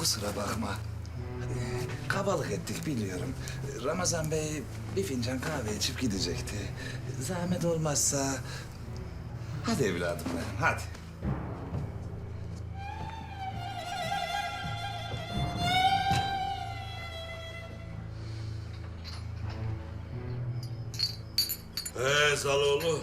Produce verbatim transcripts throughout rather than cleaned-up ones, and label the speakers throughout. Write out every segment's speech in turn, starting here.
Speaker 1: kusura bakma. Ee, kabalık ettik biliyorum. Ramazan Bey bir fincan kahve içip gidecekti. Zahmet olmazsa... Hadi evladım benim, hadi.
Speaker 2: Ee Zaloğlu.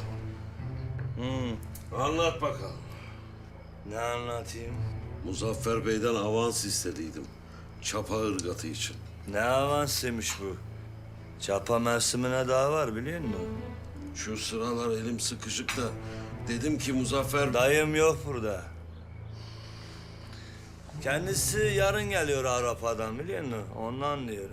Speaker 2: Hmm. Anlat bakalım.
Speaker 3: Ne anlatayım?
Speaker 2: Muzaffer Bey'den avans istediydim. Çapa ırgatı için.
Speaker 3: Ne avansıymış bu? Çapa mevsimine daha var biliyor musun?
Speaker 2: Şu sıralar elim sıkışık da dedim ki Muzaffer...
Speaker 3: Dayım yok burada. Kendisi yarın geliyor Avrupa'dan biliyor musun? Ondan diyorum.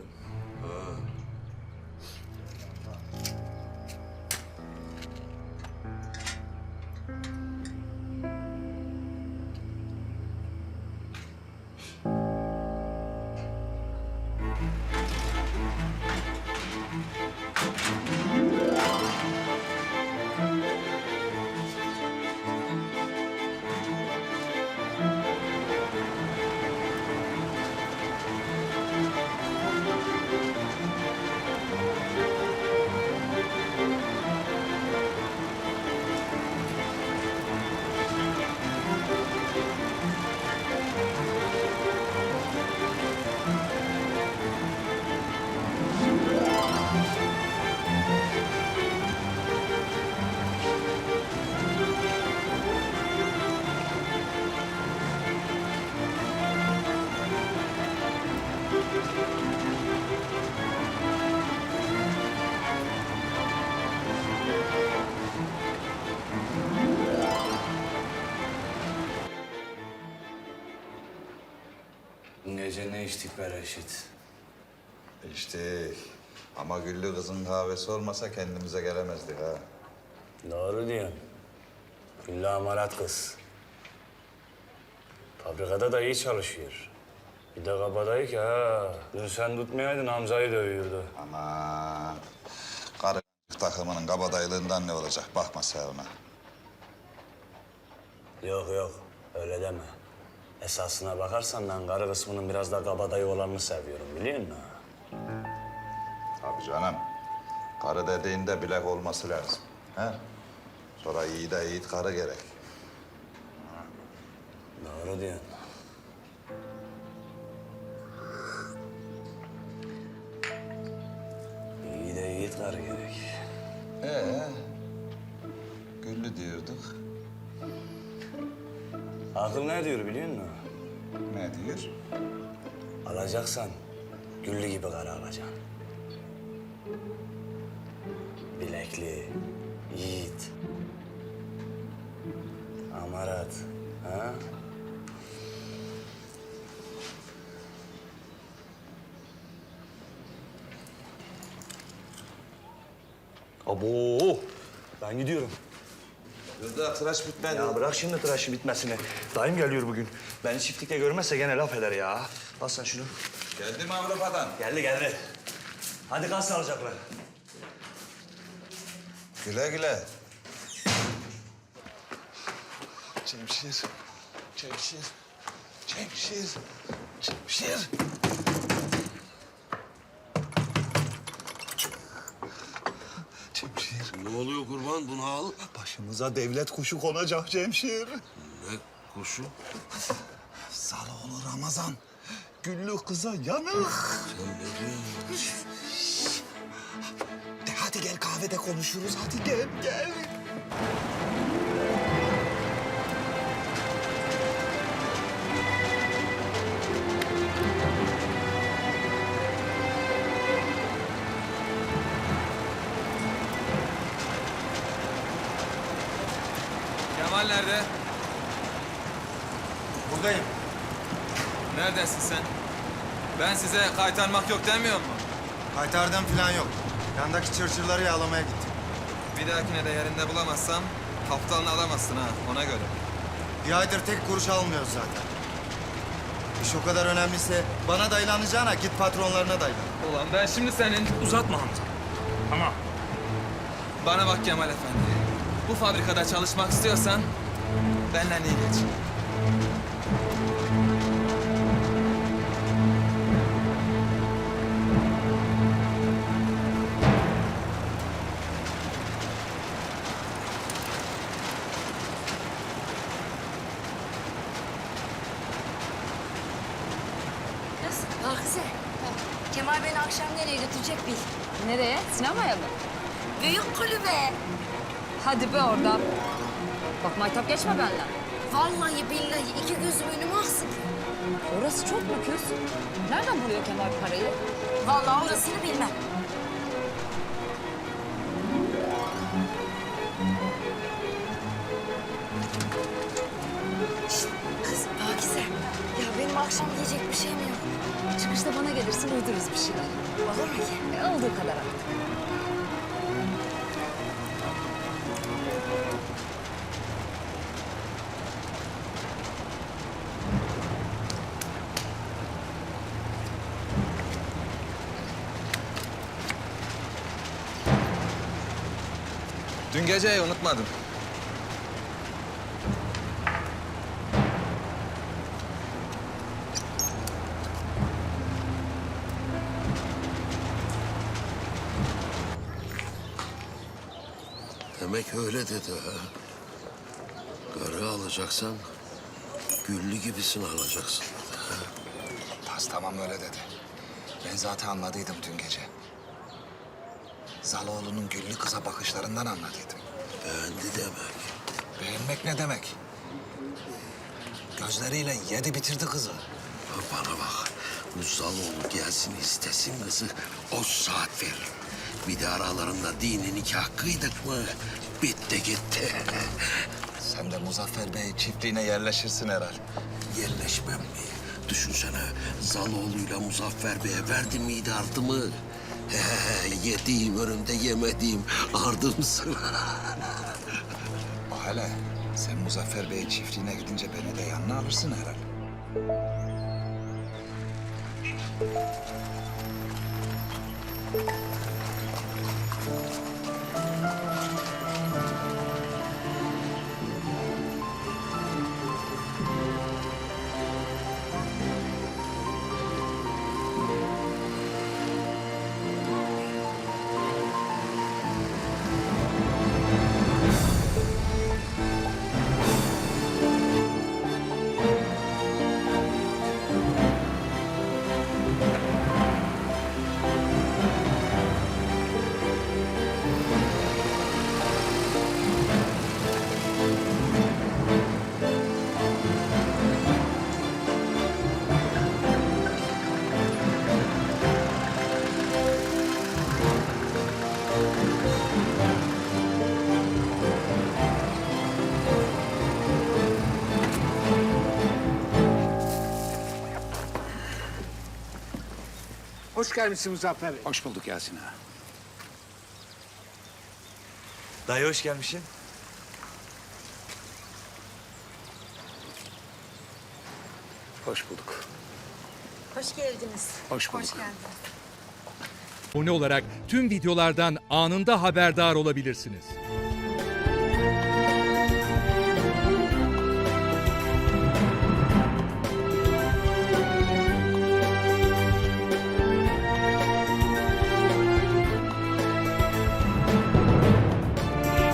Speaker 4: Bu gece ne içtik be Reşit?
Speaker 1: İşte ama Güllü kızın kahvesi olmasa kendimize gelemezdik ha.
Speaker 4: Doğru diyorsun. Güllü amarat kız. Fabrikada da iyi çalışıyor. Bir de kabadayı ki ha. Dün sen tutmayaydın Hamza'yı dövüyordu.
Speaker 1: Aman. Karı takımının kabadaylığından ne olacak? Bakma sen ona.
Speaker 4: Yok yok öyle deme. Esasına bakarsan ben karı kısmının biraz da kabadayı olanını seviyorum biliyor musun?
Speaker 1: Tabii canım. Karı dediğinde bilek olması lazım. He? Sonra iyi de yiğit karı gerek.
Speaker 4: Doğru diyorsun. İyi de yiğit karı gerek.
Speaker 1: Ee, Güllü diyorduk.
Speaker 4: Akıl ne diyor biliyor musun?
Speaker 1: Ne diyor?
Speaker 4: Alacaksan Güllü gibi karı alacaksın. Bilekli, yiğit, amarat, ha?
Speaker 3: Abo! Ben gidiyorum.
Speaker 1: Dur da tıraş bitmedi.
Speaker 3: Ya bırak şimdi tıraşı bitmesini. Dayım geliyor bugün. Beni çiftlikte görmezse gene laf eder ya. Al sen şunu.
Speaker 1: Geldi mi Avrupa'dan?
Speaker 3: Geldi geldi. Hadi kal sağlıcakla.
Speaker 1: Güle güle.
Speaker 5: Cemşir, Cemşir, Cemşir, Cemşir. Cemşir,
Speaker 2: Ne oluyor kurban? Bunu al.
Speaker 5: başımıza devlet kuşu konacak Cemşir.
Speaker 2: Ne kuşu?
Speaker 5: Zaloğlu Ramazan, Güllü kıza yanık.
Speaker 2: Sen ne diyorsun?
Speaker 5: De hadi gel kahvede konuşuruz, hadi gel, gel.
Speaker 6: Kemal nerede?
Speaker 3: Buradayım.
Speaker 6: Neredesin sen? Ben size kaytarmak yok demiyor mu?
Speaker 7: Kaytardım falan yok. Yandaki çırçırları yağlamaya gittim.
Speaker 6: Bir dahakine de yerinde bulamazsam haftalını alamazsın ha, ona göre.
Speaker 7: Bir aydır tek kuruş almıyoruz zaten. İş o kadar önemliyse bana dayılanacağına git patronlarına dayılan.
Speaker 6: Ulan ben şimdi senin...
Speaker 3: Uzatma Hamza. Ama
Speaker 6: Bana bak Kemal Efendi. Bu fabrikada çalışmak istiyorsan benden iyi geç.
Speaker 8: Kemal beni akşam nereye götürecek bil.
Speaker 9: Nereye? Sinemaya mı?
Speaker 8: Büyük kulübe.
Speaker 9: Hadi be oradan. Bak maytap geçme benimle.
Speaker 8: Vallahi billahi iki gözüm önüme aksın.
Speaker 9: Orası çok mu küs? Nereden buluyor Kemal parayı?
Speaker 8: Vallahi orasını bilmem. Şişt, kız Pakize. Ya benim akşam yiyecek bir şeyim yok.
Speaker 9: Çıkışta bana gelirsin uydururuz bir şeyler.
Speaker 8: Olur mu ki?
Speaker 9: E, olduğu kadar artık.
Speaker 6: Dün geceyi unutmadım.
Speaker 2: Demek öyle dedi ha. Karı alacaksan güllü gibisini alacaksın dedi ha.
Speaker 1: Tas tamam öyle dedi. Ben zaten anladıydım dün gece. Zaloğlu'nun güllü kıza bakışlarından anladıydım.
Speaker 2: Beğendi demek.
Speaker 1: Beğenmek ne demek? Gözleriyle yedi bitirdi kızı.
Speaker 2: Ha, bana bak. Bu Zaloğlu gelsin istesin kızı. O saat verir. Bir de aralarında dini nikah kıydık mı bitti gitti.
Speaker 1: Sen de Muzaffer Bey çiftliğine yerleşirsin herhal.
Speaker 2: Yerleşmem mi? Düşünsene Zaloğlu'yla Muzaffer Bey'e verdi miydi ardımı? He, he, yediğim önümde yemediğim ardım sıra.
Speaker 1: O hele sen Muzaffer Bey çiftliğine gidince beni de yanına alırsın herhal.
Speaker 10: Hoş gelmişsin Muzaffer Bey.
Speaker 5: Hoş bulduk Yasin ağa.
Speaker 3: Dayı hoş gelmişsin.
Speaker 5: Hoş bulduk.
Speaker 8: Hoş geldiniz.
Speaker 5: Hoş bulduk.
Speaker 8: Hoş geldiniz.
Speaker 11: Abone olarak tüm videolardan anında haberdar olabilirsiniz.